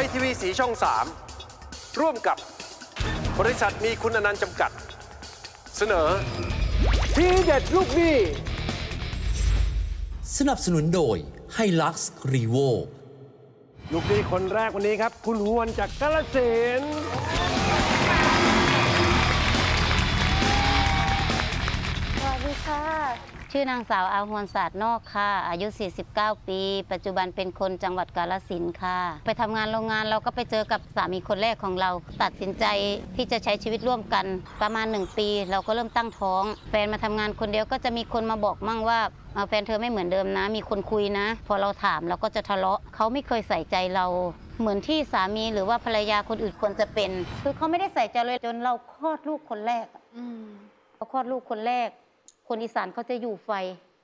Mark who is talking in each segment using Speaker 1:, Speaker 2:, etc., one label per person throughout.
Speaker 1: ยทีวีสีช่อง3ร่วมกับบริษัทมีคุณอนันต์จำกัดเสนอทีเด็ดลูกหนี้
Speaker 2: สนับสนุนโดยไฮลักซ์รีโว
Speaker 1: ลูกหนี้คนแรกวันนี้ครับคุณฮวนจากกาฬสินธุ์
Speaker 3: สวัสดีค่ะชื่อนางสาวอาหวนศาสตร์นอกค่ะอายุ49ปีปัจจุบันเป็นคนจังหวัดกาฬสินธุ์ค่ะไปทำงานโรงงานเราก็ไปเจอกับสามีคนแรกของเราตัดสินใจที่จะใช้ชีวิตร่วมกันประมาณ1ปีเราก็เริ่มตั้งท้องแฟนมาทำงานคนเดียวก็จะมีคนมาบอกมั่งว่าแฟนเธอไม่เหมือนเดิมนะมีคนคุยนะพอเราถามเราก็จะทะเลาะเขาไม่เคยใส่ใจเราเหมือนที่สามีหรือว่าภรรยาคนอื่นควรจะเป็นคือเขาไม่ได้ใส่ใจเลยจนเราคลอดลูกคนแรกเราคลอดลูกคนแรกคนอีสานเขาจะอยู่ไฟ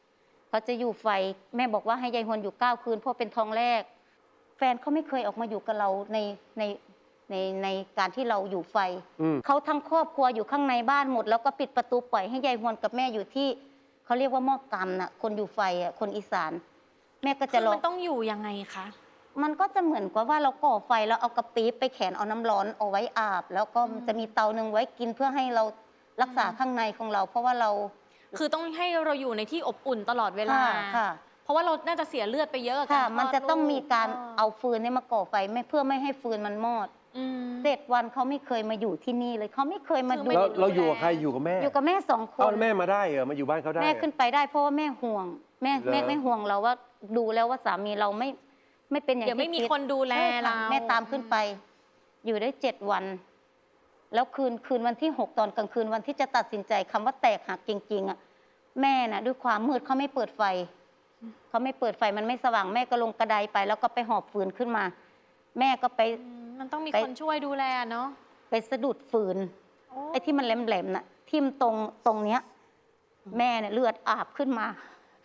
Speaker 3: แม่บอกว่าให้ยายฮวนอยู่9 คืนเพราะเป็นท้องแรกแฟนเขาไม่เคยออกมาอยู่กับเราในการที่เราอยู่ไฟเขาทั้งครอบครัวอยู่ข้างในบ้านหมดแล้วก็ปิดประตูปล่อยให้ยายฮวนกับแม่อยู่ที่เขาเรียกว่าหม้อกรรมน่ะคนอยู่ไฟอ่ะคนอีสานแม่ก็จะรอมัน
Speaker 4: ต้องอยู่ยังไงคะ
Speaker 3: มันก็จะเหมือนกับว่าเราก่อไฟแล้วเอากระปี๊บไปแขวนเอาน้ำร้อนเอาไว้อาบแล้วก็จะมีเตาหนึ่งไว้กินเพื่อให้เรารักษาข้างในของเราเพราะว่าเรา
Speaker 4: คือต้องให้เราอยู่ในที่อบอุ่นตลอดเวลา
Speaker 3: ค่ะ
Speaker 4: เพราะว่าเราน่าจะเสียเลือดไปเยอะ
Speaker 3: ค่ะมันจะต้องมีการเอาฟืนมาก่อไฟเพื่อไม่ให้ฟืนมันมอด7 วันเขาไม่เคยมาอยู่ที่นี่เลยเขาไม่เคยมาดู
Speaker 1: เราอยู่กับใครอยู่กับแม่
Speaker 3: อยู่กับแม่2 คน
Speaker 1: แม่มาได้เหรอมาอยู่บ้านเขาได้
Speaker 3: แม่ขึ้นไปได้เพราะว่าแม่ห่วงแม่ห่วงเราว่าดูแล้วว่าสามีเราไม่เป็นอย่างที่
Speaker 4: คิดไม่มีคนดูแลเรา
Speaker 3: แม่ตามขึ้นไปอยู่ได้7 วันแล้วคืนวันที่6ตอนกลางคืนวันที่จะตัดสินใจคำว่าแตกหักจริงๆอ่ะแม่น่ะด้วยความมืดเขาไม่เปิดไฟมันไม่สว่างแม่ก็ลงกระไดไปแล้วก็ไปหอบฟืนขึ้นมาแม่ก็ไป
Speaker 4: มันต้องมีคนช่วยดูแลเนาะ
Speaker 3: ไปสะดุดฟืนไอ้ที่มันแหลมๆน่ะทิ่มตรงเนี้ยแม่เนี่ยเลือดอาบขึ้นมา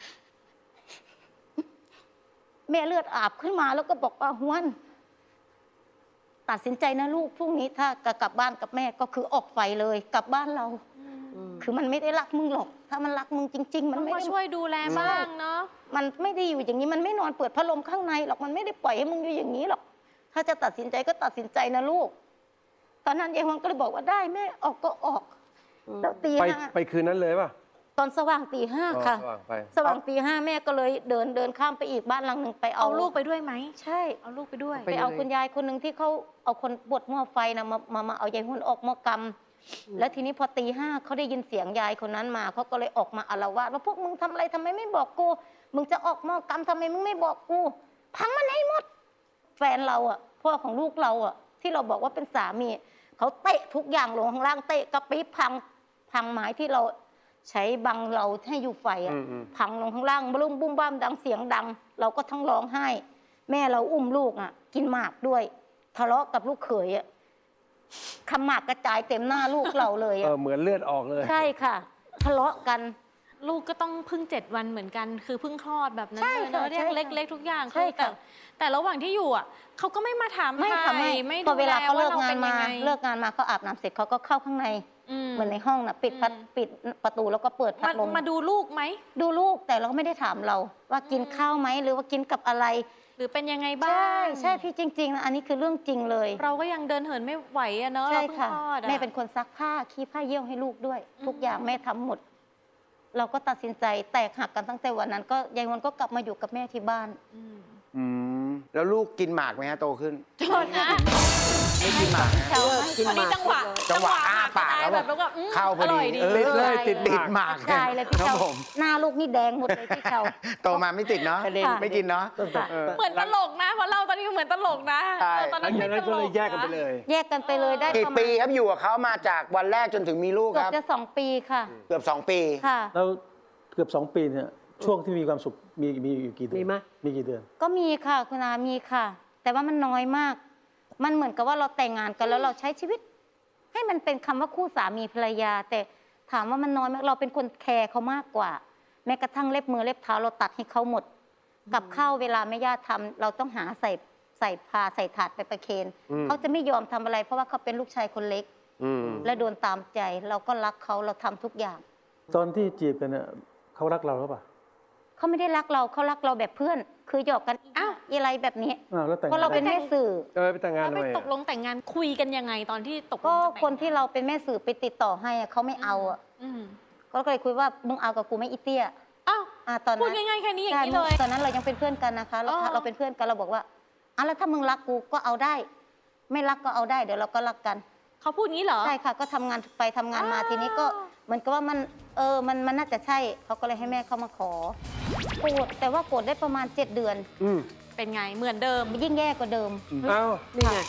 Speaker 3: แม่เลือดอาบขึ้นมาแล้วก็บอกว่าฮวนตัดสินใจนะลูกพรุ่งนี้ถ้ากลับบ้านกับแม่ก็คือออกไฟเลยกลับบ้านเราคือมันไม่ได้รักมึงหรอกถ้ามันรักมึงจริงๆมันไม่
Speaker 4: ได้ช่วยดูแลบ้างเนาะ
Speaker 3: มันไม่ได้อยู่อย่างนี้มันไม่นอนเปิดพัดลมข้างในหรอกมันไม่ได้ปล่อยให้มึงอยู่อย่างนี้หรอกถ้าจะตัดสินใจก็ตัดสินใจนะลูกตอนนั้นยายฮวงก็เลยบอกว่าได้แม่ออกก็ออกแล้วตี
Speaker 1: 5ไปคืนนั้นเลยป่ะ
Speaker 3: ตอนสว่างตี 5ค่ะสว่างตี 5แม่ก็เลยเดินข้ามไปอีกบ้านหลังหนึ่งไปเอา
Speaker 4: ลูกไปด้วยไหม
Speaker 3: ใช่
Speaker 4: เอาลูกไปด้วย
Speaker 3: ไปเอาคุณยายคนหนึ่งที่เขาเอาคนบดหม้อไฟนะมาเอายายฮวงออกหม้อกรรมแล้วทีนี้พอตี 5เขาได้ยินเสียงยายคนนั้นมาเขาก็เลยออกมาอาละวาดว่าพวกมึงทำอะไรทำไมไม่บอกกูมึงจะออกหม้อกรรมทำไมมึงไม่บอกกูพังมันให้หมดแฟนเราอ่ะพ่อของลูกเราอ่ะที่เราบอกว่าเป็นสามีเขาเตะทุกอย่างลงข้างล่างเตะกระปี๊บพังไม้ที่เราใช้บังเราให้อยู่ไฟอ่ะพังลงข้างล่างบุ้มบุ้มบ้ามดังเสียงดังเราก็ทั้งร้องไห้แม่เราอุ้มลูกอ่ะกินหมากด้วยทะเลาะกับลูกเขยอ่ะขมากกระจายเต็มหน้าลูกเราเลย
Speaker 1: เหมือนเลือดออกเลย
Speaker 3: ใช่ค่ะทะเลาะกัน
Speaker 4: ลูกก็ต้องพึ่ง7 วันเหมือนกันคือพึ่งคลอดแบบนั้นเลยเนอะเรียกเล็กๆทุกอย่าง
Speaker 3: คือ
Speaker 4: แต่ระหว่างที่อยู่อ่ะเขาก็ไม่มาถาม
Speaker 3: ไม่
Speaker 4: พ
Speaker 3: อเวลาเขาเลิกงานมาเขาอาบน้ำเสร็จเขาก็เข้าข้างในเหมือนในห้องน่ะปิดประตูแล้วก็เปิดพัดลม
Speaker 4: มาดูลูกไหม
Speaker 3: ดูลูกแต่เราก็ไม่ได้ถามเราว่ากินข้าวไหมหรือว่ากินกับอะไร
Speaker 4: หรือเป็นยังไงบ้าง
Speaker 3: ใช่พี่จริงๆนะอันนี้คือเรื่องจริงเลย
Speaker 4: เราก็ยังเดินเหินไม่ไหวอะเนาะ
Speaker 3: ใช่ค่ะแม่เป็นคนซักผ้าขี้ผ้าเยี่ยวให้ลูกด้วยทุกอย่างแม่ทำหมดเราก็ตัดสินใจแตกหักกันตั้งแต่วันนั้นก็ยายวันก็กลับมาอยู่กับแม่ที่บ้าน
Speaker 5: แล้วลูกกินหมากไหมฮะโตขึ้น
Speaker 4: โทษนะ
Speaker 5: ไม่กินหมาก
Speaker 4: กินหมากจังหวะ
Speaker 5: อ้าปากแล้วแบบเข้าพอดีติดหมาก
Speaker 3: ใช่เลยพี่เจ้าหน้าลูกนี่แดงหมดเลยพี่เจ้า
Speaker 5: โตมาไม่ติดเนาะไม่กินเนาะ
Speaker 4: เหมือนตลกนะเพราะเราตอนนี้เหมือนตลกนะตอนนั้นไม่ตลก
Speaker 1: แยกกันไป
Speaker 3: เลยได้
Speaker 5: กี่ปีครับอยู่กับเขามาจากวันแรกจนถึงมีลูกครับ
Speaker 3: เกือบจะ2 ปีค่ะ
Speaker 5: เกือบ2 ปี
Speaker 3: ค่ะ
Speaker 6: แล้วเกือบ2 ปีเนี่ยช่วงที่มีความสุขมีอยู่กี่เดือนมีกี่เดือน
Speaker 3: ก็มีค่ะคุณอามีค่ะแต่ว่ามันน้อยมากมันเหมือนกับว่าเราแต่งงานกันแล้วเราใช้ชีวิตให้มันเป็นคำว่าคู่สามีภรรยาแต่ถามว่ามันน้อยมากเราเป็นคนแคร์เขามากกว่าแม้กระทั่งเล็บมือเล็บเท้าเราตัดให้เขาหมดกับข้าวเวลาแม่ย่าทำเราต้องหาใส่พาใส่ถาดไปประเคนเขาจะไม่ยอมทำอะไรเพราะว่าเขาเป็นลูกชายคนเล็กและโดนตามใจเราก็รักเขาเราทำทุกอย่าง
Speaker 6: ตอนที่จีบกันเนี่ยเขารักเราหรือเปล่า
Speaker 3: เขาไม่ได้รักเราเขารักเราแบบเพื่อนคือหยอกกัน
Speaker 4: อ้าว
Speaker 3: อะไรแบบนี้
Speaker 6: แล้วแต่ง
Speaker 3: เพราะเราเป็นแม่สื่อ
Speaker 1: ไปแต่งงาน
Speaker 4: แล้ว
Speaker 1: ทำ
Speaker 4: ไป
Speaker 1: ไม
Speaker 4: ตกลงแต่งงานคุยกันยังไงตอนที่ตกลง
Speaker 3: ก็
Speaker 4: จะแต่ง
Speaker 3: คนที่เราเป็นแม่สื่อไปติดต่อให้อะเขาไม่เอาอะ
Speaker 4: อืม
Speaker 3: ก็เลยคุยว่ามึงเอากับกูไหม่อีเตี้ย
Speaker 4: อ้าว
Speaker 3: ตอนนั้น
Speaker 4: พูดง่ายๆแค่นี้อย่างนี้
Speaker 3: ใช่
Speaker 4: เลย
Speaker 3: ตอนนั้นเรายังเป็นเพื่อนกันนะคะเราเป็นเพื่อนกันเราบอกว่าแล้วถ้ามึงรักกูก็เอาได้ ไม่รักก็เอาได้เดี๋ยวเราก็รักกัน
Speaker 4: เขาพูดงี้เหรอ
Speaker 3: ใช่ค่ะก็ทำงานไปทำงานมาทีนี้ก็เหมือนกับว่ามันน่าจะใช่เขาก็เลยให้แม่เข้ามาขอโกรธแต่ว่าโกรธได้ประมาณ7 เดือน
Speaker 4: เป็นไงเหมือนเดิม
Speaker 3: ยิ่งแย่กว่าเดิม
Speaker 1: เอ้า
Speaker 5: นี่ไง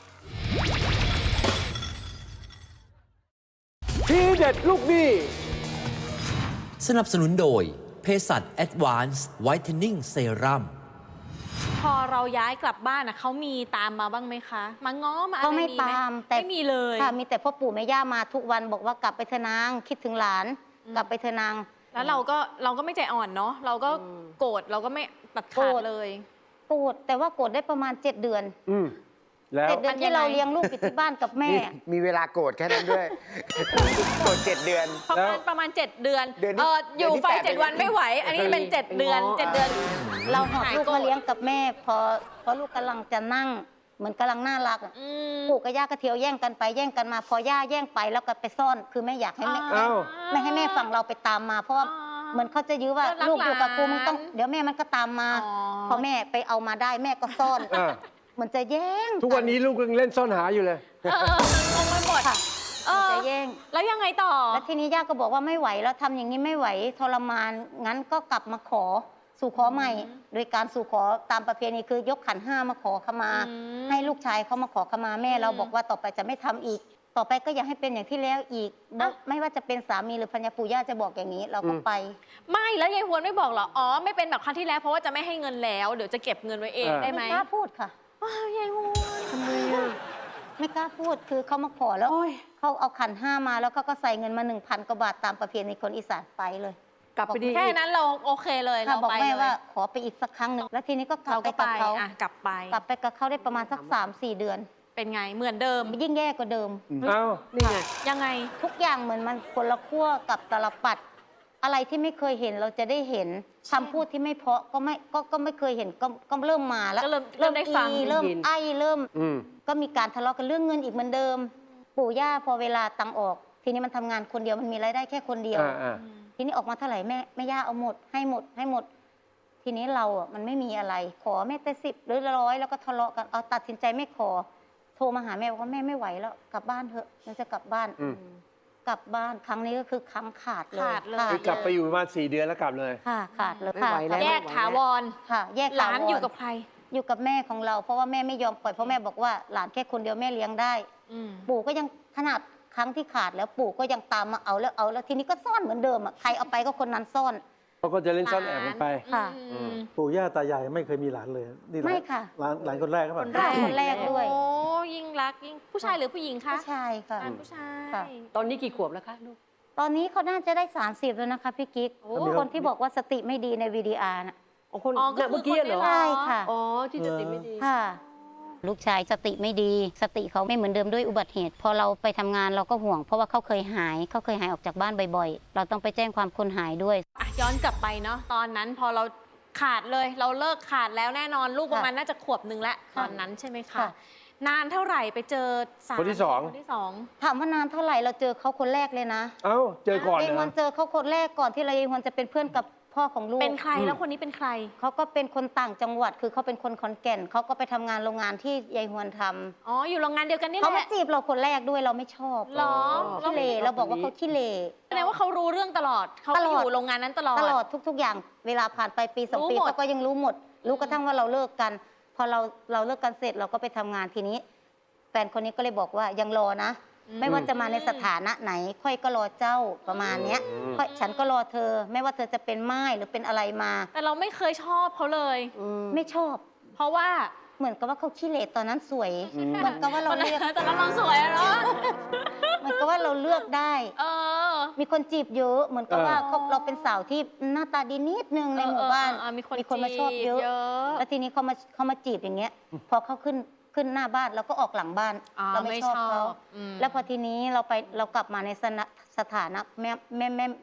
Speaker 1: ทีเด็ดลูกหนี้
Speaker 2: สนับสนุนโดยเภสัช Advanced Whitening Serum
Speaker 4: พอเราย้ายกลับบ้านอ่ะเขามีตามมาบ้างไหมคะ มาง้อมาอะไร
Speaker 3: เขาไม่
Speaker 4: ห
Speaker 3: ตามแต่
Speaker 4: ไม่มีเลย
Speaker 3: ค่ะมีแต่พ่อปู่แม่ย่ามาทุกวันบอกว่ากลับไปเถอะนางคิดถึงหลาน กลับไปเถอะนาง
Speaker 4: แล้วเราก็ไม่ใจอ่อนเนาะเราก็โกรธเราก็ไม่ตัดขาดเลย
Speaker 3: โกรธแต่ว่าโกรธได้ประมาณ7 เดือน
Speaker 1: แล้ว
Speaker 3: 7 เดือนที่เราเลี้ยงลูกอยู่ที่บ้านกับแม่
Speaker 5: มีเวลาโกรธแค่นั้นด้วย โกรธ7 เดือน
Speaker 4: ประมาณ7 เดือน
Speaker 5: เดือนที่
Speaker 4: อยู่ไฟ
Speaker 5: เดือนที่
Speaker 4: 7 วันไม่ไหว อันนี้เป็น7 เดือน 7 เดือน
Speaker 3: เราหอบ
Speaker 4: หาย
Speaker 3: ลูก
Speaker 4: โกรธ
Speaker 3: มาเลี้ยงกับแม่พอลูกกำลังจะนั่ง เหมือนกำลังน่ารักอะ
Speaker 4: อืม
Speaker 3: ปู่กับย่าก็เที่ยวแย่งกันไปแย่งกันมา พอย่าแย่งไปแล้วก็ไปซ่อน คือไม่อยากให้แม่
Speaker 1: เอ้า
Speaker 3: ไม่ให้แม่ฝั่งเราไปตามมา เพราะว่าเหมือนเขาจะยื้อว่า
Speaker 4: ก็รัก
Speaker 3: ลูกอยู่กับกู
Speaker 4: หลาน
Speaker 3: มึงต้องเดี๋ยวแม่มันก็ตามมา
Speaker 4: อ๋อ
Speaker 3: พอแม่ไปเอามาได้แม่ก็ซ่อน
Speaker 1: อ่า
Speaker 3: เหมือนจะแย่ง
Speaker 1: ทุกวันนี้ลูกยังเล่นซ่อนหาอยู่เลย
Speaker 4: งงไปหมด
Speaker 3: ค่ะ
Speaker 4: เอ
Speaker 3: เหมือน
Speaker 4: อ
Speaker 3: จะแย่ง
Speaker 4: แล้วยังไงต่อ
Speaker 3: แล้วทีนี้ย่าก็บอกว่าไม่ไหวแล้วทำอย่างนี้ไม่ไหวทรมานงั้นก็กลับมาขอสู่ขอใหม่ โดยการสู่ขอตามประเพณีคือยกขันห้ามาขอขมา
Speaker 4: อืม
Speaker 3: ให้ลูกชายเขามาขอขมาแม่เรา
Speaker 4: อืม
Speaker 3: บอกว่าต่อไปจะไม่ทำอีก ต่อไปก็อย่าให้เป็นอย่างที่แล้วอีก
Speaker 4: อ่ะ
Speaker 3: ไม่ว่าจะเป็นสามีหรือภรรยาปู่ย่าจะบอกอย่างนี้ เราก็ไป
Speaker 4: ไม่แล้วยายฮวนไม่บอกเหรอ อ๋อ ไม่เป็นแบบครั้งที่แล้วเพราะว่าจะไม่ให้เงินแล้ว เดี๋ยวจะเก็บเงินไว้เอง
Speaker 1: อ่า
Speaker 4: ได้ไหม
Speaker 3: ไม่กล้าพูดค่ะ
Speaker 4: ว้าวยายฮวน
Speaker 5: ทำไมอ่ะ
Speaker 3: ไม่กล้าพูดคือเขามาขอแล้ว
Speaker 5: โอ้ย
Speaker 3: เขาเอาขันห้ามาแล้วเขาก็ใส่เงินมา1,000 กว่าบาทตามประเพณีคนอีสานไปเลย
Speaker 5: กลับไปดี
Speaker 4: แค่นั้นเราโอเคเลย
Speaker 3: ค่ะ
Speaker 4: เรา
Speaker 3: บอก
Speaker 4: ไป
Speaker 3: แม่
Speaker 4: เลย
Speaker 3: ว่าขอไปอีกสักครั้งหนึ่งแล้วทีนี้ก็กลับ
Speaker 4: เรา
Speaker 3: ไป
Speaker 4: ก็
Speaker 3: กั
Speaker 4: ไป
Speaker 3: บเขา
Speaker 4: อ่ะกลับไป
Speaker 3: กลับไปกับเขาได้ประมาณสัก3-4 เดือน
Speaker 4: เป็นไงเหมือนเดิม
Speaker 3: ยิ่งแย่กว่าเดิม
Speaker 1: เอ้า
Speaker 5: นี่ไง
Speaker 4: ยังไง
Speaker 3: ทุกอย่างเหมือนมันคนละขั้วกับตาลปัด อะไรที่ไม่เคยเห็นเราจะได้เห็นคำพูดที่ไม่เพราะก็ไม่เคยเห็นก็เริ่มมาแล้ว
Speaker 4: ก็เริ่มได้ฟัง
Speaker 3: เริ่มไอ้เริ่ม
Speaker 1: อืม
Speaker 3: ก็มีการทะเลาะกันเรื่องเงินอีกเหมือนเดิม ปู่ย่าพอเวลาตังค์ออก ทีนี้มันทำงานคนเดียวมันมีรายได้แค่คนเดียว
Speaker 1: อ่า
Speaker 3: ทีนี้ออกมาเท่าไหร่แม่ย่าเอาหมดให้หมด ทีนี้เราอ่ะมันไม่มีอะไร ขอแม่แต่10 หรือ100แล้วก็ทะเลาะกันเอาตัดสินใจไม่ขอ โทรมาหาแม่บอกว่าแม่ไม่ไหวแล้วกลับบ้านเถอะมันจะกลับบ้าน กลับบ้านครั้งนี้ก็คือครั้งขาดเลย
Speaker 4: ขาดเลย
Speaker 1: คือกลับไปอยู่ประมาณ4 เดือนแล้วกลับเลย
Speaker 3: ค่ะขาดเลย
Speaker 5: ไม่ไหวแล้ว
Speaker 4: แยกถาวร
Speaker 3: ค่ะ แยก
Speaker 4: หลาน
Speaker 3: ถวร
Speaker 4: อยู่กับใคร
Speaker 3: อยู่กับแม่ของเรา เพราะว่าแม่ไม่ยอมปล่อยเพราะแม่บอกว่าหลานแค่คนเดียวแม่เลี้ยงได้
Speaker 4: อืม
Speaker 3: ปู่ก็ยังขนาดครั้งที่ขาดแล้วปู่ก็ยังตามมาเอาแล้วทีนี้ก็ซ่อนเหมือนเดิมอ่ะใครเอาไปก็คนนั้นซ่อน
Speaker 1: เขาก็จะเล่นซ่อนแอบกันไป
Speaker 3: ค่ะ
Speaker 4: อืม
Speaker 6: ปู่ย่าตายายไม่เคยมีหลานเลยนี่หลาน
Speaker 3: ไม่ค่ะ
Speaker 6: หลานคนแรกครับ
Speaker 3: คนแรก คนด้วย
Speaker 4: โอ้ยิ่งรักยิ่งผู้ชายหรือผู้หญิงคะ
Speaker 3: ผู้ชายค่ะ
Speaker 4: หลานผู้ชาย
Speaker 3: ค่ะ
Speaker 5: ตอนนี้กี่ขวบแล้วคะลูก
Speaker 3: ตอนนี้เขาน่าจะได้30แล้วนะคะพี่กิ๊ก
Speaker 4: โอ้
Speaker 3: คนที่บอกว่าสติไม่ดีในวีดีอาร์น่ะ
Speaker 5: อ๋อคน
Speaker 4: อ๋อก็
Speaker 5: เนี่ย
Speaker 4: คือ
Speaker 5: เมื่อกี้
Speaker 4: คน
Speaker 5: เหรอ
Speaker 4: นี้
Speaker 3: ใช่ค่ะ
Speaker 5: อ๋อ ที่จะติดไม่ดี
Speaker 3: ค่ะ ลูกชายสติไม่ดี สติเขาไม่เหมือนเดิมด้วยอุบัติเหตุ พอเราไปทำงานเราก็ห่วง เพราะว่าเขาเคยหายออกจากบ้านบ่อยๆ เราต้องไปแจ้งความคนหายด้วย
Speaker 4: อ่ะย้อนกลับไปเนาะตอนนั้นพอเราขาดเลยเราเลิกขาดแล้วแน่นอนลูกประมาณน่าจะขวบหนึ่งแล้วตอนนั้นใช่ไหมคะ
Speaker 3: ค่ะ
Speaker 4: นานเท่าไหร่ไปเจอสาร
Speaker 1: คนที่สอง
Speaker 4: คนที่สอง
Speaker 3: ถามว่านานเท่าไหร่เราเจอเขาคนแรกเลยนะ
Speaker 1: เอ้า เจอก่อน
Speaker 3: เย
Speaker 1: เหร
Speaker 3: วั
Speaker 1: อน
Speaker 3: เจอเขาคนแรกก่อนที่เราเยวันจะเป็นเพื่อนกับพ่อของลูก
Speaker 4: เป็นใครแล้วคนนี้เป็นใคร
Speaker 3: เขาก็เป็นคนต่างจังหวัด คือเขาเป็นคนขอนแก่นเขาก็ไปทำงานโรงงานที่ยายฮวนทำ
Speaker 4: อ๋ออยู่โรงงานเดียวกันนี่แห
Speaker 3: เขามา
Speaker 4: ละ
Speaker 3: จีบเราคนแรกด้วยเราไม่ชอบ
Speaker 4: หรอ
Speaker 3: ขี้เลเราบอกว่าเขาขี้เล
Speaker 4: แสดงว่าเขารู้เรื่องตลอดเขา
Speaker 3: ต
Speaker 4: ก็
Speaker 3: ล
Speaker 4: อ
Speaker 3: อด
Speaker 4: ยู่โรงงานนั้นตลอด
Speaker 3: ตลอดทุก ๆ อย่างเวลาผ่านไปปี2 ปี
Speaker 4: รู้หมด
Speaker 3: เขาก็ยังรู้หมด รู้กระทั่งว่าเราเลิกกัน พอเราเลิกกันเสร็จเราก็ไปทำงานทีนี้แฟนคนนี้ก็เลยบอกว่ายังรอนะ ไม่ว่าจะมาในสถานะไหน ค่อยก็รอเจ้าประมาณเนี้ยค่อยฉันก็รอเธอ ไม่ว่าเธอจะเป็นไม้หรือเป็นอะไรมา
Speaker 4: แต่เราไม่เคยชอบเขาเลย
Speaker 3: ไม่ชอบ
Speaker 4: เพราะว่า
Speaker 3: เหมือนกับว่าเขาขี้เหร่ตอนนั้นสวย เหมือนกับว่าเราเลือก
Speaker 4: ตอนนั้นเราสวยอะเนาะ
Speaker 3: เหมือนกับว่าเราเลือกได้
Speaker 4: เออ
Speaker 3: มีคนจีบเยอะ เหมือนกับว่าเราเป็นสาวที่หน้าตาดีนิดนึงในหมู่บ้าน
Speaker 4: มีคน
Speaker 3: มาชอบเยอะ
Speaker 4: จีบ
Speaker 3: แล้วทีนี้เขามาจีบอย่างเงี้ย พอเขาขึ้นหน้าบ้านเราก็ออกหลังบ้าน
Speaker 4: อ๋อ
Speaker 3: เราไม่ชอบเขา
Speaker 4: อืม
Speaker 3: แล้วพอทีนี้เรากลับมาในสถานะ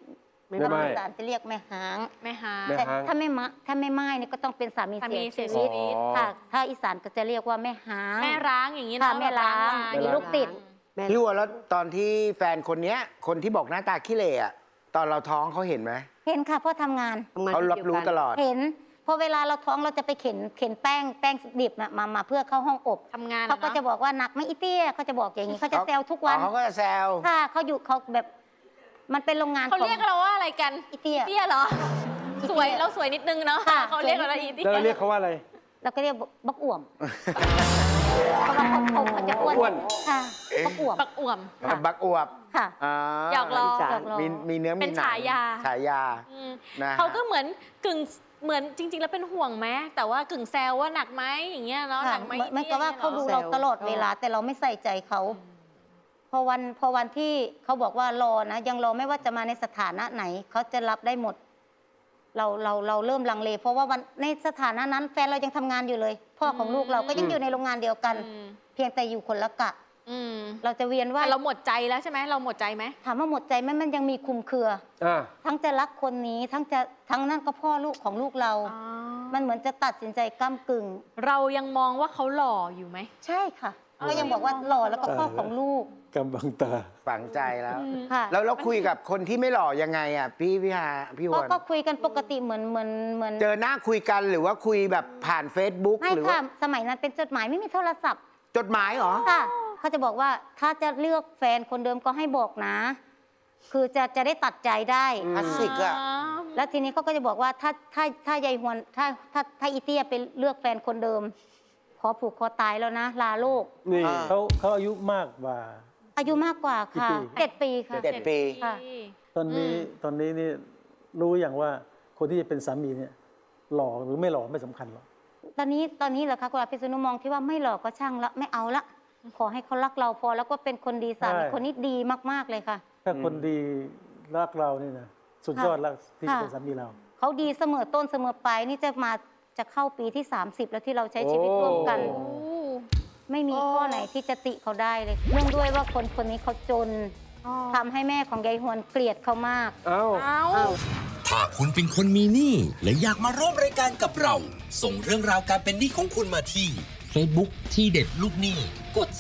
Speaker 3: ถ้าภาษาจะเรียกแม่หาง
Speaker 4: แม่หา
Speaker 3: แต่ถ้าไม่ไม้เนี่ยก็ต้องเป็นสามี
Speaker 4: สามี
Speaker 3: เสีย
Speaker 4: เสีย
Speaker 3: ชี
Speaker 4: ชี
Speaker 3: วิต
Speaker 4: วิต
Speaker 3: ค่ะ ถ้าอีสานก็จะเรียกว่าแม่หาง
Speaker 4: แม่ร้างอย่างนี้
Speaker 3: ค่ะ
Speaker 4: เนาะ
Speaker 3: แม่ร้าง
Speaker 4: แบบ
Speaker 3: มีลูกติด
Speaker 5: พี่วัวแล้วตอนที่แฟนคนเนี้ยคนที่บอกหน้าตาขี้เหร่อะตอนเราท้องเขาเห็นไหม
Speaker 3: เห็นค่ะเพราะทำงาน
Speaker 5: เขารับรู้ตลอด
Speaker 3: เห็นพอเวลาเราท้องเราจะไปเข็นแป้งดิบน่ะมาเพื่อเข้าห้องอบ
Speaker 4: ทำงาน
Speaker 3: เขาก็จะบอกว่าหนักไหม่อีเตี้ยเขาจะบอกอย่างนี้เขาจะแซวทุกวัน
Speaker 5: เขาก็จะแซว
Speaker 3: ค่ะเขาอยู่เขาแบบมันเป็นโรงงาน
Speaker 4: เขาเรียกเราว่าอะไรกัน
Speaker 3: อีเตี้ย
Speaker 4: เตี้ยเหรอ สวยเราสวยนิดนึงเนาะ
Speaker 3: ค่ะ
Speaker 4: เขาเรียกเราอีเตี้ย
Speaker 6: แล้วเราเรียกเขาว่าอะไร
Speaker 3: เราก็เรียกบักอ่วมเพราะว่าเขาจะอ้วน
Speaker 1: อ้วน
Speaker 3: ค่ะบักอ่วม
Speaker 4: ปักอ่วม
Speaker 5: บักอวบ
Speaker 3: ค่ะ
Speaker 5: อ่า
Speaker 4: หยอกล้อ
Speaker 3: หยอกล้อ
Speaker 5: มีเนื้อมีหนัง
Speaker 4: เป็นฉายา
Speaker 5: ฉายา
Speaker 4: อืม
Speaker 5: นะฮะ
Speaker 4: เขาก็เหมือนกึ่งเหมือนจริง ๆ แล้วเป็นห่วงไหมแต่ว่ากึ่งแซวว่าหนักไหมอย่างเงี้ยเนาะห
Speaker 3: ค่ะ
Speaker 4: นักไหม
Speaker 3: เหมือนกับว่าเขาดูเราตลอดเวลาแต่เราไม่ใส่ใจเขาพอวันที่เขาบอกว่ารอนะยังรอไม่ว่าจะมาในสถานะไหนเขาจะรับได้หมด เราเริ่มลังเล เพราะว่าวันในสถานะนั้นแฟนเรายังทำงานอยู่เลย พ่อของลูกเราก็ยังอยู่ในโรงงานเดียวกัน
Speaker 4: อืม
Speaker 3: เพียงแต่อยู่คนละกะ
Speaker 4: อืม
Speaker 3: เราจะเวียนว่า
Speaker 4: แต่เราหมดใจแล้วใช่ไหมเราหมดใจไหม
Speaker 3: ถามว่าหมดใจไหมมันยังมีคลุมเครือ
Speaker 1: อ่า
Speaker 3: ทั้งจะรักคนนี้ทั้งนั่นก็พ่อลูกของลูกเรา มันเหมือนจะตัดสินใจก้ากึ่ง
Speaker 4: เรายังมองว่าเขาหล่ออยู่ไหม
Speaker 3: ใช่ค่ะก็ยังบอกว่าหล่อแล้วก็พ่อของลูก
Speaker 6: กำบังตา
Speaker 5: ฝังใจแล้ว
Speaker 3: ค่ะ
Speaker 5: แล้วเราคุยกับคนที่ไม่หล่อยังไงอ่ะพี่วัว
Speaker 3: ก็คุยกันปกติเหมือน
Speaker 5: เจอหน้าคุยกันหรือว่าคุยแบบผ่าน Facebook
Speaker 3: ไม่
Speaker 5: หรือ
Speaker 3: ค่ะ
Speaker 5: ว่า
Speaker 3: สมัยนั้นเป็นจดหมายไม่มีโทรศัพท์
Speaker 5: จดหมายเหรอ
Speaker 3: ค่ะเขาจะบอกว่าถ้าจะเลือกแฟนคนเดิมก็ให้บอกนะ คือจะได้ตัดใจได้
Speaker 5: คลาสสิกอะ
Speaker 3: แล้วทีนี้เขาก็จะบอกว่าถ้ายายฮวนถ้าอีเตี้ยไปเลือกแฟนคนเดิม ขอผูกคอตายแล้วนะ ลาโลก
Speaker 1: นี่
Speaker 5: อ่า
Speaker 6: เขาอายุมากกว่า
Speaker 3: อายุมากกว่าค่ะ
Speaker 6: กี่ปี
Speaker 3: 7 ปีค่ะ
Speaker 5: 7 ปี
Speaker 3: ค่ะ
Speaker 6: ตอนนี้นี่รู้อย่างว่าคนที่จะเป็นสามีเนี่ยหล่อหรือไม่หล่อไม่สำคัญหรอก
Speaker 3: ตอนนี้เหรอคะคุณอาพิษณุมองที่ว่าไม่หลอกก็ช่างละไม่เอาละ ขอให้เขารักเราพอแล้วก็เป็นคนดีสามีคนนี้ดีมากๆเลยค่ะ
Speaker 6: ถ้าคนดีรักเรานี่นะสุดยอดแล้วที่จะเป็นสามีเรา
Speaker 3: เขาดีเสมอต้นเสมอปลายนี่จะเข้าปีที่ 30 แล้วที่เราใช้ชีวิตร่วมกัน
Speaker 4: โอ้
Speaker 3: ไม่มีข้อไหนที่จะติเขาได้เลยเนื่องด้วยว่าคนนี้เขาจนทำให้แม่ของยายฮวนเกลียดเขามาก
Speaker 1: เอ้า
Speaker 4: เอ้า
Speaker 2: ถ้าคุณเป็นคนมีหนี้และอยากมาร่วมรายการกับเรา ส่งเรื่องราวการเป็นหนี้ของคุณมาที่ Facebook ที่เด็ดลูกหนี้กด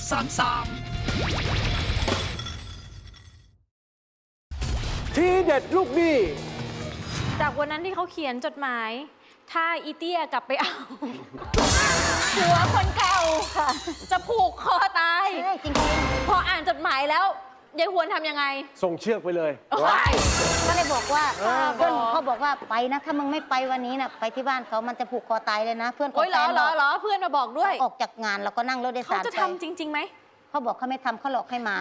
Speaker 2: 33
Speaker 1: ทีเด็ดลูกหนี้
Speaker 4: จากวันนั้นที่เขาเขียนจดหมาย ถ้าอีเตี้ยกลับไปเอา หัวคนเก่า
Speaker 3: ค่ะ
Speaker 4: จะผูกคอตาย
Speaker 3: ใช่จริง
Speaker 4: พออ่านจดหมายแล้วยายหวนทำยังไง
Speaker 1: ส่งเชือกไปเลย
Speaker 3: ๆก็เลยบอกว่าเพื่อนเขาบอกว่าไปนะ ถ้ามึงไม่ไปวันนี้นะไปที่บ้านเขามันจะผูกคอตายเลยนะ เพื่อนของ
Speaker 4: โอ้ยเหร
Speaker 3: แฟ
Speaker 4: อน เหร
Speaker 3: บ
Speaker 4: อ
Speaker 3: อก
Speaker 4: เหรอเพื่อนมาบอกด้วย
Speaker 3: ออกจากงานแล้วก็นั่งรถโดย
Speaker 4: เขา
Speaker 3: สาร
Speaker 4: จะ
Speaker 3: ไป
Speaker 4: ทำจริงๆไหม
Speaker 3: เขาบอกเขาไม่ทำเขาหลอกให้มา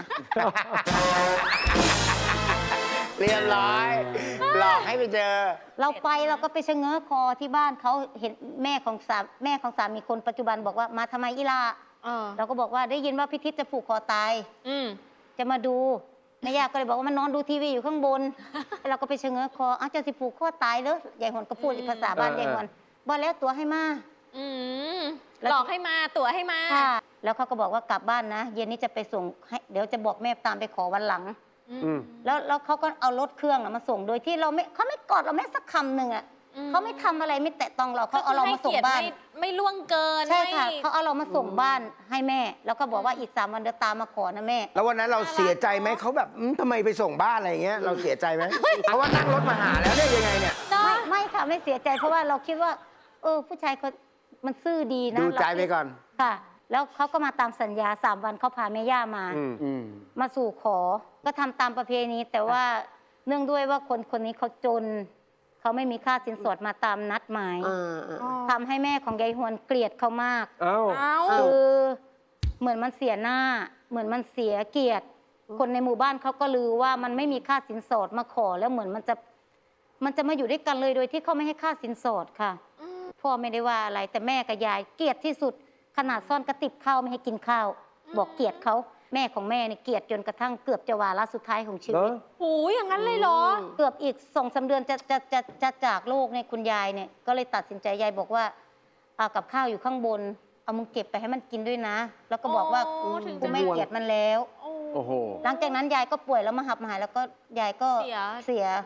Speaker 5: เรียบร้อย หลอกให้ไปเจอ
Speaker 3: เราไปเราก็ไปชะเง้อคอที่บ้านเขาเห็นแม่ของสามีคนปัจจุบันบอกว่ามาทำไมอีลา เราก็บอกว่าได้ยินว่าพิทิศจะผูกคอตาย
Speaker 4: อืม
Speaker 3: จะมาดูแม่ย่าก็เลยบอกว่ามันนอนดูทีวีอยู่ข้างบน เราก็ไปชะเง้อคออ้าวเจะสิผูกคอตายเลยยายหวนก็พูดอีกภาษาบ้านยายหวนบอกแล้วตัวให้มา
Speaker 4: อืม
Speaker 3: แล้ว
Speaker 4: หลอกให้มาตั๋วให้มา
Speaker 3: ค่ะ แล้วเขาก็บอกว่ากลับบ้านนะ เย็นนี้จะไปส่งให้เดี๋ยวจะบอกแม่ตามไปขอวันหลัง
Speaker 1: อืม
Speaker 3: แล้วเขาก็เอารถเครื่องน่ะมาส่งโดยที่เขาไม่กอดเราแม้สักคำหนึ่งอ่ะ
Speaker 4: อืม
Speaker 3: เขาไม่ทำอะไรไม่แตะต้องเราเขาเอาเรามาส่งบ้าน
Speaker 4: ไม่ล่วงเกิน
Speaker 3: ใช่ค่ะ
Speaker 4: ไม่
Speaker 3: เขาเอาเรามาส่งบ้านให้แม่ แล้วก็บอกว่าอีก3 วันเดี๋ยวตามมาขอนะแม่
Speaker 5: แล้ววันนั้นเราเสียใจไหมเขาแบบทำไมไปส่งบ้านอะไรอย่างเงี้ยเราเสียใจไหม เพราะว่านั่งรถมาหาแล้วเนี่ยยังไงเนี่ย
Speaker 4: เนอะ
Speaker 3: ไม่ค่ะไม่เสียใจเพราะว่าเราคิดว่า ผู้ชายเขามันซื่อดีนะ
Speaker 5: ดูใจไป
Speaker 3: เราคิด
Speaker 5: ก่อน
Speaker 3: ค่ะ แล้วเขาก็มาตามสัญญา3 วันเขาพาแม่ย่ามา
Speaker 5: อืม
Speaker 3: มาสู่ขอ ก็ทำตามประเพณีแต่ว่าเนื่องด้วยว่าคนนี้เขาจน เขาไม่มีค่าสินสอดมาตามนัดหมายทำให้แม่ของยายฮวนเกลียดเขามาก
Speaker 1: เอ้า
Speaker 4: เอ้า
Speaker 3: คือเหมือนมันเสียหน้า เหมือนมันเสียเกียรติ คนในหมู่บ้านเขาก็ลือว่ามันไม่มีค่าสินสอดมาขอ แล้วเหมือนมันจะมาอยู่ด้วยกันเลยโดยที่เขาไม่ให้ค่าสินสอดค่ะ พ่อไม่ได้ว่าอะไร แต่แม่กับยายเกลียดที่สุด ขนาดซ่อนกระติบข้าวไม่ให้กินข้าว บอกเกลียดเขาแม่ของแม่เนี่ยเกลียดจนกระทั่งเกือบจะวาระสุดท้ายของชีวิต
Speaker 1: เหรอ
Speaker 4: หูอย่างนั้นเลยเหรอ
Speaker 3: เกือบอีก2-3 เดือนจะจากโลกเนี่ยคุณยายเนี่ยก็เลยตัดสินใจยายบอกว่าเอากับข้าวอยู่ข้างบน เอามึงเก็บไปให้มันกินด้วยนะ แล้วก็บอกว่า
Speaker 4: โอ้ถึง
Speaker 3: กู
Speaker 4: จะ
Speaker 3: ไม่เกลียดมันแล้ว
Speaker 1: โอ้โห
Speaker 3: หลังจากนั้นยายก็ป่วยแล้วมาหับหายแล้วก็ยายก็
Speaker 4: เสีย
Speaker 3: เสีย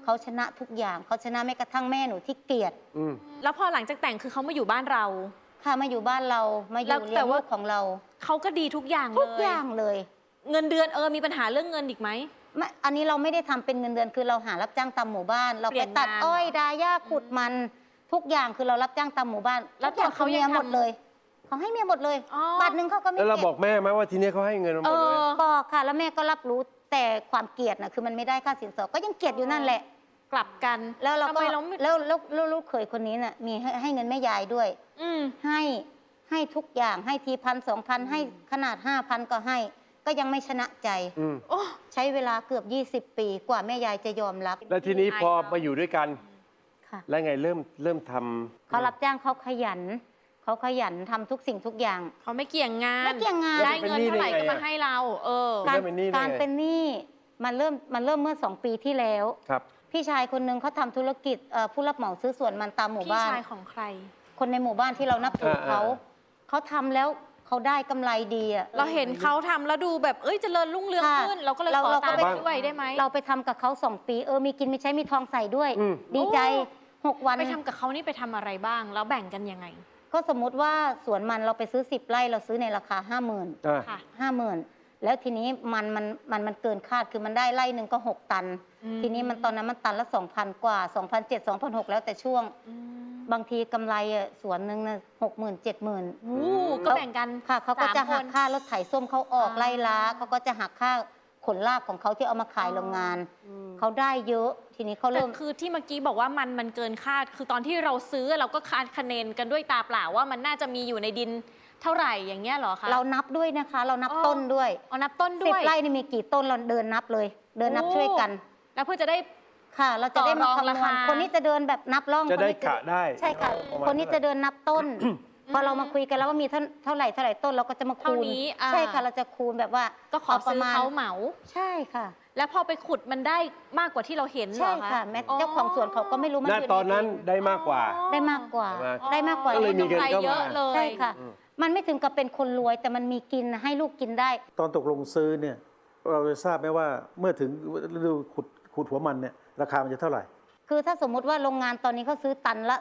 Speaker 3: เขาชนะทุกอย่างเขาชนะแม้กระทั่งแม่หนูที่เกลียด
Speaker 1: อืม
Speaker 4: แล้วพอหลังจากแต่งคือเขามาอยู่บ้านเรา
Speaker 3: ค่ะมาอยู่บ้านเรามาอ
Speaker 4: แล้ว
Speaker 3: ยู่
Speaker 4: แต่
Speaker 3: เลี้ยง
Speaker 4: ว่า
Speaker 3: ลูกของเรา
Speaker 4: เขาก็ดีทุกอย่าง
Speaker 3: ทุก
Speaker 4: เล
Speaker 3: อย่างเลย
Speaker 4: เงินเดือนมีปัญหาเรื่องเงินอีกไหม
Speaker 3: ไม่อันนี้เราไม่ได้ทำเป็นเงินเดือนคือเราหารับจ้างตามหมู่บ้าน เรา
Speaker 4: เปลี่
Speaker 3: ไป
Speaker 4: ยน
Speaker 3: ตัด
Speaker 4: งาน
Speaker 3: อ้อยดาหญ้าขุดมันทุกอย่างคือเรารับจ้างตามหมู่บ้าน
Speaker 4: แล้ว
Speaker 3: ทุกอย่าง
Speaker 4: ตัวเขา
Speaker 3: คือเมีย
Speaker 4: ยัง
Speaker 3: หมด
Speaker 4: ทำ
Speaker 3: เลยเขาให้เมียหมดเลย
Speaker 4: อ๋อ
Speaker 3: บาทหนึ่งเขาก็ไม่
Speaker 1: แล้วเรา
Speaker 3: เก็บ
Speaker 1: บอกแม่ไหมว่าทีนี้เขาให้เงินเราหมดเลย
Speaker 3: บอกค่ะ แล้วแม่ก็รับรู้แต่ความเกลียดนะคือมันไม่ได้ค่าสินสอดก็ยังเกลียดอยู่นั่นแหละ
Speaker 4: กลับกัน
Speaker 3: แล้วเรา
Speaker 4: ทำ
Speaker 3: ก็
Speaker 4: ไมเราไม่
Speaker 3: แล้วลูกเขยคนนี้น่ะมีให้เงินแม่ยายด้วย
Speaker 4: อืม
Speaker 3: ให้ทุกอย่างให้ที1,000 2,000ให้ขนาด5,000ก็ให้ ก็ยังไม่ชนะใจ
Speaker 1: อืม
Speaker 4: โอ้
Speaker 3: ใช้เวลาเกือบ20 ปีกว่าแม่ยายจะยอมรับ
Speaker 1: แล้วทีนี้พอมาอยู่ด้วยกัน
Speaker 3: ค่ะ
Speaker 1: แล้วไงเริ่มทำ
Speaker 3: เขารับจ้างเขาขยันทำทุกสิ่งทุกอย่าง
Speaker 4: เขาไม่เกี่ยงงาน
Speaker 3: ไม่เกี่ยงงาน
Speaker 4: ได้เงินเท่าไหร่ก็มาให้เรา
Speaker 3: การ
Speaker 1: เป็นหนี้ได้ไง
Speaker 3: การเป็นหนี้มันเริ่มเมื่อ2 ปีที่แล้ว
Speaker 1: ครับ
Speaker 3: พี่ชายคนหนึงเขาทำธุรกิจผู้รับเหมาซื้อสวนมันตามหมู่
Speaker 4: พี่
Speaker 3: บ้าน
Speaker 4: ชายของใคร
Speaker 3: คนในหมู่บ้านที่เรานับถือเขาทำแล้วเขาได้กำไรดีอะ
Speaker 4: เราเห็นเขาทำแล้วดูแบบเจริญรุ่งเรือง
Speaker 3: ค่ะ
Speaker 4: ขึ้น เราก็เลย
Speaker 3: เรา
Speaker 4: ขอ
Speaker 3: เราก็
Speaker 4: ตาม
Speaker 3: ไป
Speaker 4: ไปด้วยได้ไหม
Speaker 3: เราไปทำกับเขา2 ปีมีกินมีใช้มีทองใส่ด้วย
Speaker 1: อืม
Speaker 3: ดีใจ
Speaker 4: โอ้
Speaker 3: 6 วัน
Speaker 4: ไปทำกับเขานี่ไปทำอะไรบ้าง แล้วแบ่งกันยังไง
Speaker 3: ก็สมมุติว่าสวนมันเราไปซื้อ10 ไร่เราซื้อในราคา 50,000
Speaker 1: อ่า
Speaker 4: ค่ะ
Speaker 3: 50,000แล้วทีนี้มันเกินคาดคือมันได้ไร่หนึ่งก็6 ตัน
Speaker 4: อืม
Speaker 3: ทีนี้มันตอนนั้นมันตันละ 2,000 กว่า 2,700 2,600แล้วแต่ช่วง
Speaker 4: อืม
Speaker 3: บางทีกำไรสวนหนึ่งนะ60,000 70,000
Speaker 4: โอ้ก็แบ่งกัน
Speaker 3: ค่ะเขาก็
Speaker 4: 3
Speaker 3: จะหัก
Speaker 4: คน
Speaker 3: ค่ารถไถส้มเขาออก
Speaker 4: อ่า
Speaker 3: ไล่ล้าเขาก็จะหักค่าขนลากของเขาที่เอามาขายโรงงานเขาได้เยอะทีนี้เขา
Speaker 4: แต่
Speaker 3: เริ่ม
Speaker 4: คือที่เมื่อกี้บอกว่ามันเกินคาด คือตอนที่เราซื้อเราก็คาดคะเนกันด้วยตาเปล่าว่ามันน่าจะมีอยู่ในดินเท่าไหร่อย่างเงี้ยเหรอคะ
Speaker 3: เรานับด้วยนะคะ เรานับ
Speaker 4: อ๋อ
Speaker 3: ต้นด้วย
Speaker 4: เอานับต้นด้
Speaker 3: สิบ
Speaker 4: วย
Speaker 3: ไร่นี่มีกี่ต้นเราเดินนับเลย เดินนับ
Speaker 4: โอ้
Speaker 3: ช่วยกัน
Speaker 4: แล้วเพื่อจะได้
Speaker 3: ค่ะ เราจะได้มา
Speaker 4: ต่อรอง
Speaker 3: คำน
Speaker 4: ราว คา
Speaker 3: ณคนนี้จะเดินแบบนับร่อง
Speaker 1: จะได้
Speaker 3: คนนี้
Speaker 1: กะได้
Speaker 3: ใช่ค่ะ
Speaker 1: ประมาณ
Speaker 3: คนนี้จะเดินนับต้น พอเรามาคุยกันแล้วว่ามีเท่าไหร่ต้นเราก็จะมา
Speaker 4: เท่า
Speaker 3: คูณ
Speaker 4: นี้
Speaker 3: ใช่ค่ะ เราจะคูณแบบว่า
Speaker 4: ก็ขอ
Speaker 3: ประ
Speaker 4: ซื้อ
Speaker 3: มาณ
Speaker 4: เขาเหมา
Speaker 3: ใช่ค่ะ
Speaker 4: แล้วพอไปขุดมันได้มากกว่าที่เราเห็นเหร
Speaker 3: ใช่
Speaker 4: อคะ
Speaker 3: ค่ะแม้เจ้าของสวนเขาก็ไม่รู้มัน
Speaker 1: ณ
Speaker 3: อยู่
Speaker 1: ตอนนั้น
Speaker 3: ใดิ
Speaker 1: ได้มากกว่า
Speaker 3: ได้มากกว่า
Speaker 1: อ๋อ
Speaker 3: ได้มากกว่า
Speaker 1: ก็เลยมีเงิน
Speaker 4: กำไร
Speaker 1: เข้ามา
Speaker 4: เยอะเลย
Speaker 3: ใช่ค่ะ มันไม่ถึงกับเป็นคนรวยแต่มันมีกินให้ลูกกินได้
Speaker 6: ตอนตกลงซื้อเนี่ยเราจะทราบไหมว่าเมื่อถึงฤดูขุดหัวมันเนี่ยราคามันจะเท่าไหร่
Speaker 3: คือถ้าสมมุติว่าโรงงานตอนนี้เขาซื้อตันละ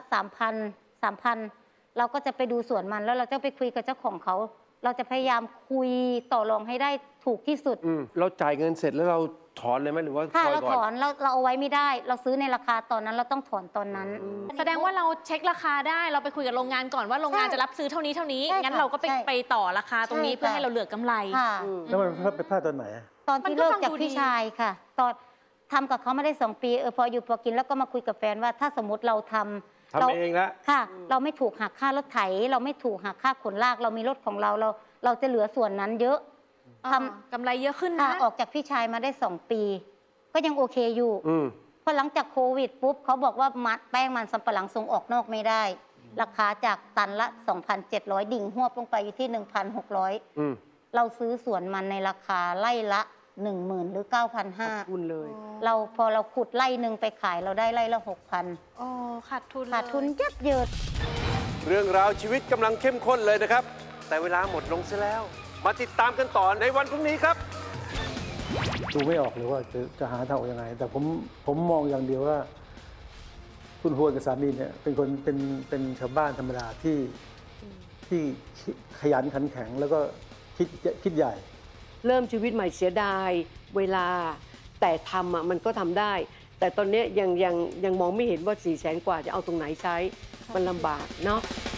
Speaker 3: 3,000 เราก็จะไปดูสวนมันแล้วเราจะไปคุยกับเจ้าของเขา เราจะพยายามคุยต่อรองให้ได้ถูกที่สุด
Speaker 1: เราจ่ายเงินเสร็จแล้วเราถอนเลยไหมหรือว่า
Speaker 3: ถ้า
Speaker 1: ซอย
Speaker 3: เรา
Speaker 1: ก่
Speaker 3: ถ
Speaker 1: อ
Speaker 3: อน นเราเอาไว้ไม่ได้ เราซื้อในราคาตอนนั้นเราต้องถอนตอนนั้น
Speaker 4: แสดงว่าเราเช็คราคาได้เราไปคุยกับโรงงานก่อนว่าโรงงาน
Speaker 3: ใช่
Speaker 4: จะรับซื้อเท่านี้
Speaker 3: ใช่
Speaker 4: งั้น
Speaker 3: ค่ะ
Speaker 4: เราก็ไป
Speaker 3: ใช่
Speaker 4: ไปต่อราคาตรงนี้
Speaker 3: ใช่
Speaker 4: เพื่อให้
Speaker 3: ค่ะ
Speaker 4: เราเหลือกำไร
Speaker 3: ค่ะ
Speaker 6: แล้วมันไปพลาดตอนไหนอะ
Speaker 3: ตอน
Speaker 4: มัน
Speaker 3: ที่
Speaker 4: ก็
Speaker 3: เลิก
Speaker 4: ฟัง
Speaker 3: จาก
Speaker 4: ดู
Speaker 3: พี่
Speaker 4: ดี
Speaker 3: ชายค่ะ ตอนทำกับเขาไม่ได้2 ปีพออยู่พอกินแล้วก็มาคุยกับแฟนว่าถ้าสมมติเราทำ
Speaker 1: ทำเองละ
Speaker 3: ค่ะ เราไม่ถูกหักค่ารถไถ เราไม่ถูกหักค่าขนลาก เรามีรถของเราจะเหลือส่วนนั้นเยอะทำ
Speaker 4: กำไรเยอะขึ้น
Speaker 3: ค่ะ
Speaker 4: นะ
Speaker 3: ออกจากพี่ชายมาได้2 ปี ก็ยังโอเคอยู่
Speaker 1: อืม
Speaker 3: พอหลังจากโควิดปุ๊บเขาบอกว่าแป้งมันสำปะหลังส่งออกนอกไม่ได้ ราคาจากตันละ 2,700 ดิ่งหวบลงไปอยู่ที่ 1,600
Speaker 1: อืม
Speaker 3: เราซื้อสวนมันในราคาไล่ละ 10,000 หรือ 9,500
Speaker 1: คุณเลย
Speaker 3: พอเราขุดไล่หนึ่งไปขายเราได้ไล่ละ 6,000
Speaker 4: โอ้ขาดทุนเลย
Speaker 3: ขาดทุนยับเยิน
Speaker 1: เรื่องราวชีวิตกำลังเข้มข้นเลยนะครับ แต่เวลาหมดลงซะแล้ว มาติดตามกันต่อในวันพรุ่งนี้ครับ
Speaker 6: ดูไม่ออกเลยว่าจะหาทางออกยังไง แต่ผมมองอย่างเดียวว่า คุณฮวนกับสามีเนี่ยเป็นคนเป็นชาวบ้านธรรมดาที่ขยันขันแข็งแล้วก็คิดใหญ่
Speaker 7: เริ่มชีวิตใหม่เสียดายเวลาแต่ทำมันก็ทำได้ แต่ตอนนี้ยังมองไม่เห็นว่า400,000 กว่าจะเอาตรงไหนใช้มันลำบากเนาะ